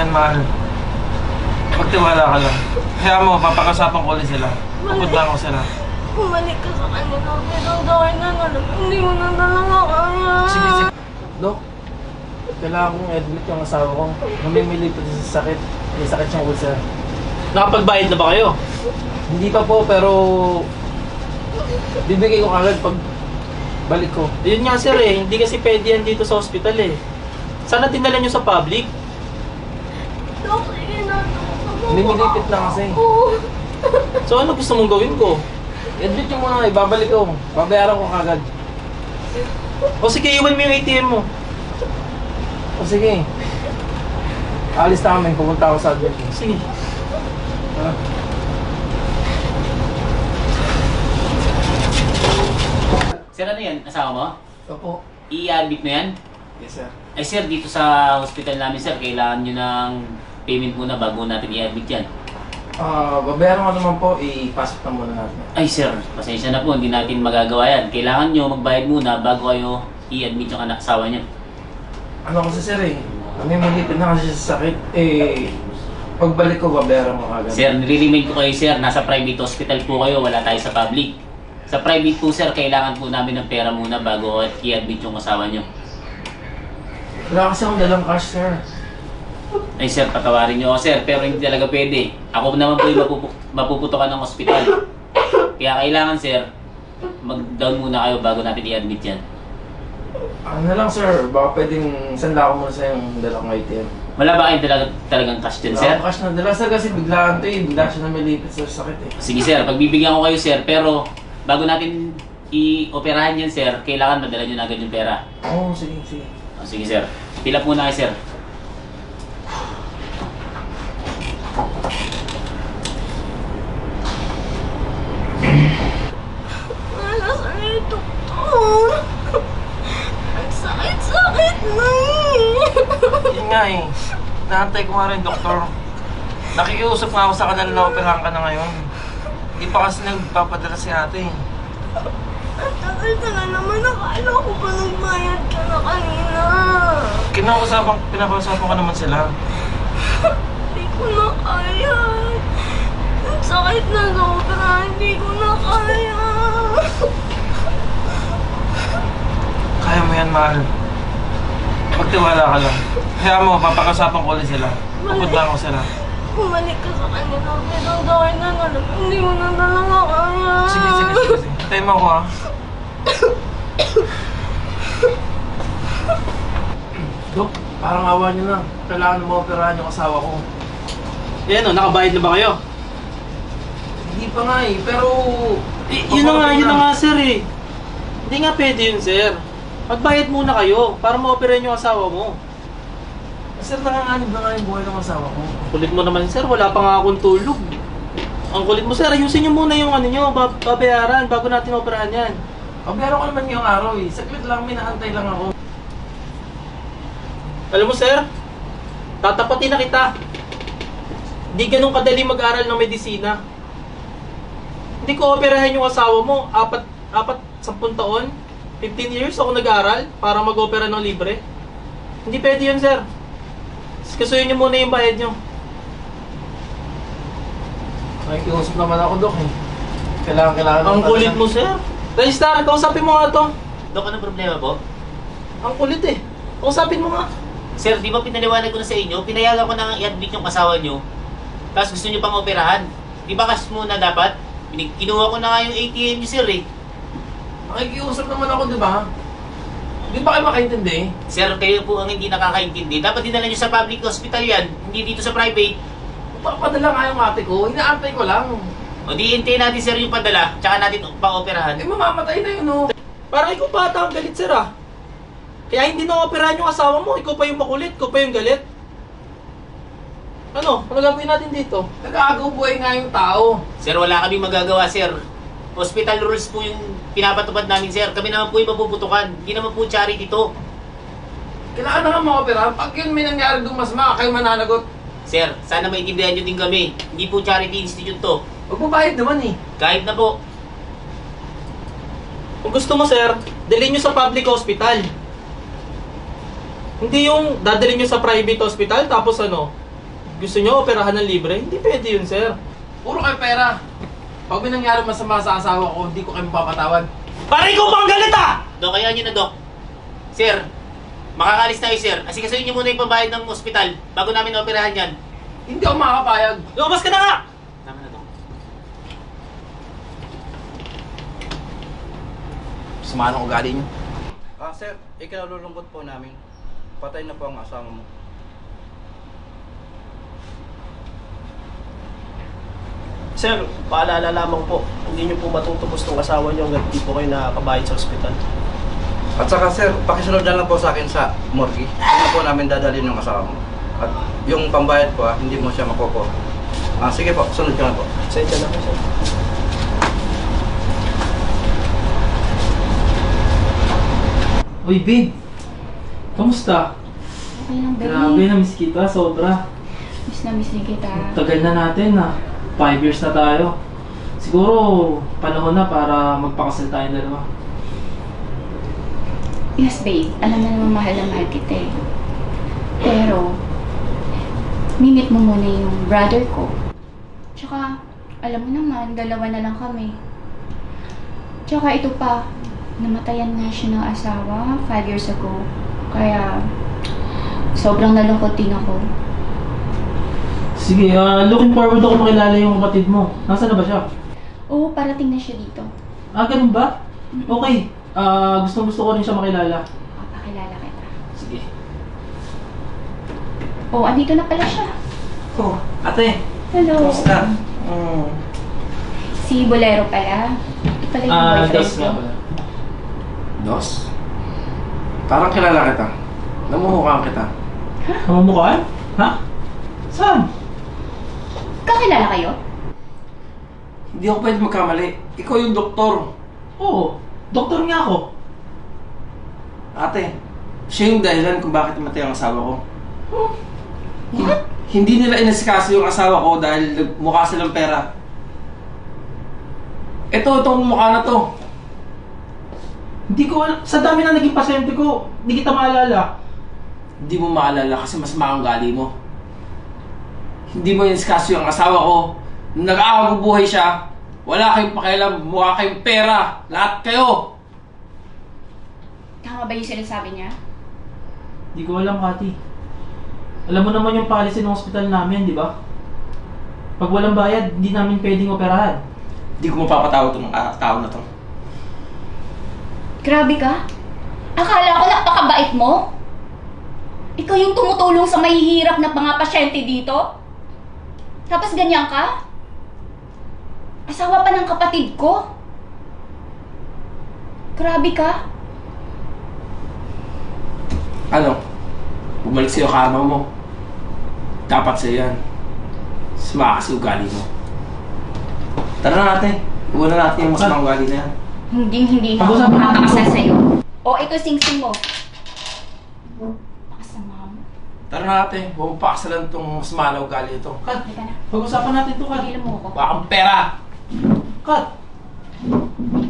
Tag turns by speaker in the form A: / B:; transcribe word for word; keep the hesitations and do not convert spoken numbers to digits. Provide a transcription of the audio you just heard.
A: yan, mahal. Magtiwala ka lang. Kaya mo, papakasapan ko ulit sila. Pupunta ko sila.
B: Bumalik ka sa kanila, pero dahil na nalang, hindi mo na talaga kaya.
A: Sige, sige. Dok, kailangan kong admit yung asawa ko. Namimilipot sa sakit. May sakit siyang ulcer.
C: Nakapagbayad na ba kayo?
A: Hindi pa po, pero bibigay ko agad pag balik ko.
C: Yun nga sir eh, hindi kasi pwede yan dito sa hospital eh. Sana dinala nyo sa public.
B: Dok, sige na, Dok.
A: Lumilipit lang kasi.
B: Oo.
C: So ano gusto mong gawin ko?
A: I-admit nyo muna, ibabalik ko. Babayaran ko kagad.
C: O sige, iwan mo yung A T M mo.
A: O sige. Alis na kami, pupunta ako sa admit.
C: Sige.
A: Ah.
D: Sir, ano yan? Asawa mo?
A: Opo.
D: I-admit mo yan?
A: Yes, sir.
D: Ay sir, dito sa hospital namin sir, kailangan nyo ng payment muna bago natin i-admit yan.
A: Ah, babayaran ko naman po, ipasok na muna natin.
D: Ay sir, pasensya na po, hindi natin magagawa yan. Kailangan nyo magbayad muna bago kayo i-admit yung anak asawa nyo.
A: Ano kasi sir eh, kami malipit na kasi sa sakit. Eh, pagbalik ko, babayaran ko kagad.
D: Sir, nire-remind ko kayo sir, nasa private hospital po kayo, wala tayo sa public. Sa private po sir, kailangan po namin ng pera muna bago i-admit yung asawa nyo.
A: Wala kasi akong dalang cash, sir.
D: Ay sir, patawarin nyo ako sir, pero hindi talaga pwede. Ako naman po yung mapupu mapuputokan ng ospital. Kaya kailangan sir, mag-down muna kayo bago natin i-admit yan.
A: Ano na lang, sir, baka pwedeng sanda ko muna sa yung dalang I T M.
D: Wala ba kayong talaga, talagang cash din
A: Wala
D: sir?
A: akong cash na dala, sir, kasi biglaan to eh. Bigla siya namilipit sa sakit eh.
D: Sige sir, pagbibigyan ko kayo sir, pero bago natin i-operahan yan sir, kailangan madala nyo na agad yung pera.
A: Oo, oh, sige, sige.
D: O, sige sir, fill up muna kayo sir.
B: Wala sa iyo, Doktor. Ang sakit-sakit na eh.
A: Yun nga eh. Naantay ko nga rin, doktor. Nakikiusap nga ako sa kanila na operahan ka na ngayon. Hindi pa kasi nagpapadala si ate.
B: Ang tagal na naman, nakala ko pa nagbayad ka na kanina.
A: Kinausapan, pinakausapan ka naman sila.
B: Hindi ko na kaya. Ang sakit na sobra, hindi ko na kaya.
A: Kaya mo yan, mahal. Magtiwala ka lang. Kaya mo, papakasapan ko ulit sila. Pupunta ko sila.
B: Bumalik ka sa kanila, pero dahil na nalang, hindi mo na talaga kaya.
A: Sige, sige, sige. sige. Hintayin mo ako ha. Dok, parang awa niyo na. Kailangan mo operahan yung asawa ko.
C: Yan o, nakabayad na ba kayo?
A: Hindi pa nga eh, pero...
C: Eh, yun na nga, yun na nga sir eh. Hindi nga pwede yun sir. Magbayad muna kayo para ma-operahan yung asawa mo.
A: Sir, nanganganib na nga yung buhay ng asawa ko.
C: Kulit mo naman sir, wala pa nga akong tulog. Ang kulit mo sir, ayusin nyo muna yung ano nyo, bab- babayaran bago natin operahan yan.
A: Pabayaro ko naman yung araw eh. Saglit lang, minaantay lang ako.
C: Alam mo sir, tatapatin na kita. Hindi ganun kadali mag-aral ng medisina. Hindi ko operahan yung asawa mo, apat, apat, sampung taon, fifteen years ako nag-aral para mag-opera ng libre. Hindi pwede yun sir. Kasuyin nyo muna yung bayad nyo.
A: Nakikiusap naman ako, Dok eh. Kailangan, kailangan...
C: Ang kulit mo sir. Registrar, kausapin mo nga to.
D: Dok, anong problema po?
C: Ang kulit eh. Kausapin mo nga.
D: Sir, di ba pinaliwanag ko na sa inyo, pinayagan ko na i-admit yung asawa nyo, tapos gusto nyo pang operahan. Di ba cash muna dapat? Pinig- Kinuha ko na nga yung A T M nyo sir eh.
A: Nakikiusap naman ako, di ba? Di ba kayo makaintindi?
D: Sir, kayo po ang hindi nakakaintindi. Dapat dinala nyo sa public hospital yan, hindi dito sa private.
A: Papadala nga yung ate ko, inaantay ko lang.
D: O di hintayin natin sir yung padala, tsaka natin pa-operahan.
A: Eh, mamamatay na yun, oh.
C: Parang ikaw bata ang galit sir ah. Kaya hindi na operahan yung asawa mo, ikaw pa yung makulit, ikaw pa yung galit. Ano? Ano gagawin natin dito?
A: Nag-aagaw buhay nga yung tao.
D: Sir, wala kaming magagawa sir. Hospital rules po yung pinapatupad namin sir. Kami naman po yung mapuputukan. Hindi naman po charity to.
A: Kailangan na nga ma-operahan. Pag yun may nangyari doon, mas maka kayo mananagot.
D: Sir, sana maintindihan nyo din kami. Hindi po charity institute to.
A: Magbabayad naman eh.
D: Kahit na po.
C: Kung gusto mo sir, dalhin nyo sa public hospital. Hindi yung dadalhin nyo sa private hospital tapos ano, gusto nyo operahan ng libre? Hindi pwede yun, sir.
A: Puro kayo pera. Pag may nangyari masama sa asawa ko, hindi ko kayo mapapatawad.
C: Pare ko pang galit ah!
D: Dok, kaya nyo na, Dok. Sir, makakalis tayo, sir. Asikasuhin nyo muna yung pambayad ng ospital bago namin operahan yan.
A: Hindi ako makakapayag.
C: Lumabas ka na nga!
D: Tama na, Dok.
A: Sama ng ugali niyo.
E: Ah, sir, ikinalulungkot po namin. Patay na po ang asawa mo.
F: Sir, paalala lamang po, hindi niyo po matutubos ng asawa niyo hanggang di po kayo nakakabayad sa ospital.
E: At saka sir, pakisunod na lang po sa akin sa morgue. Hindi po namin dadalhin yung asawa mo. At yung pambayad po, ah, hindi mo siya makukuha. Ah, sige po, sunod ka na po.
F: Sensya na po, sir.
C: Uy, babe. Kamusta?
B: Okay lang, baby.
C: Grabe, na-miss kita. Sobra.
B: Miss na miss din kita.
C: Tagal na natin na. Five years na tayo. Siguro, panahon na para magpakasal tayong dalawa.
B: Yes, babe. Alam na naman mahal na mahal kita eh. Pero, mimit mo muna yung brother ko. Tsaka, alam mo naman, dalawa na lang kami. Tsaka ito pa, namatayan nga siya ng asawa five years ago. Kaya, sobrang nalungkot din ako.
C: Sige, ah, looking forward ako makilala yung kapatid mo. Nasaan na ba siya?
B: Oo, parating na siya dito.
C: Ah, ganun ba? Okay. Ah, gusto gusto ko rin siya makilala.
B: Papakilala kita.
C: Sige.
B: Oo, andito na pala siya.
C: Oh, ate.
B: Hello.
C: Kamusta? Mm.
B: Si Bolero pala. Ito pala yung
C: Ah,
B: boyfriend
C: dos
B: ko.
C: nga pala.
A: Dos? Parang kilala kita. Namumukhaan kita.
C: Namumukhaan? Ha? Saan?
B: Kakilala kayo?
A: Hindi ako pwede magkamali. Ikaw yung doktor.
C: Oo. Doktor nga ako.
A: Ate, siya yung dahilan kung bakit namatay ang asawa ko. Hin- Hindi nila inasikaso yung asawa ko dahil mukha silang pera. Ito, itong mukha na to.
C: Hindi ko alam. Sa dami na naging pasyente ko, hindi kita maalala.
A: Hindi mo maalala kasi mas maanggali mo. Hindi mo inasikaso yung asawa ko. Nung nag-aagabubuhay siya, wala kayong pakialam, mukha kayong pera. Lahat kayo.
B: Tama ba yung sinasabi niya?
C: Hindi ko alam, Kati. Alam mo naman yung policy ng ospital namin, di ba? Pag walang bayad, hindi namin pwedeng operahan.
A: Hindi ko mapapatawad itong uh, tao na to.
B: Grabe ka? Akala ko napakabait mo? Ikaw yung tumutulong sa mahihirap na mga pasyente dito? Tapos ganyan ka? Asawa pa ng kapatid ko? Grabe ka?
A: Ano? Bumalik sa'yo karma mo. Dapat sa'yo yan. Sumaka kasi ugali mo. Tara na natin. Iwan na natin yung masamang ugali na yan.
B: Hindi, hindi na ako
C: Pag-usapan natin
B: makakasal
C: ito.
B: sa'yo. O, ito sing-sing mo. Pakasama mo.
A: Tara na natin. Huwag mo pakasalan itong masama na ugali ito.
C: Kat,
B: Halika na.
C: pag-usapan natin ito, Kat.
B: Pagilan mo ako.
A: Wala kang pera!
C: Kat!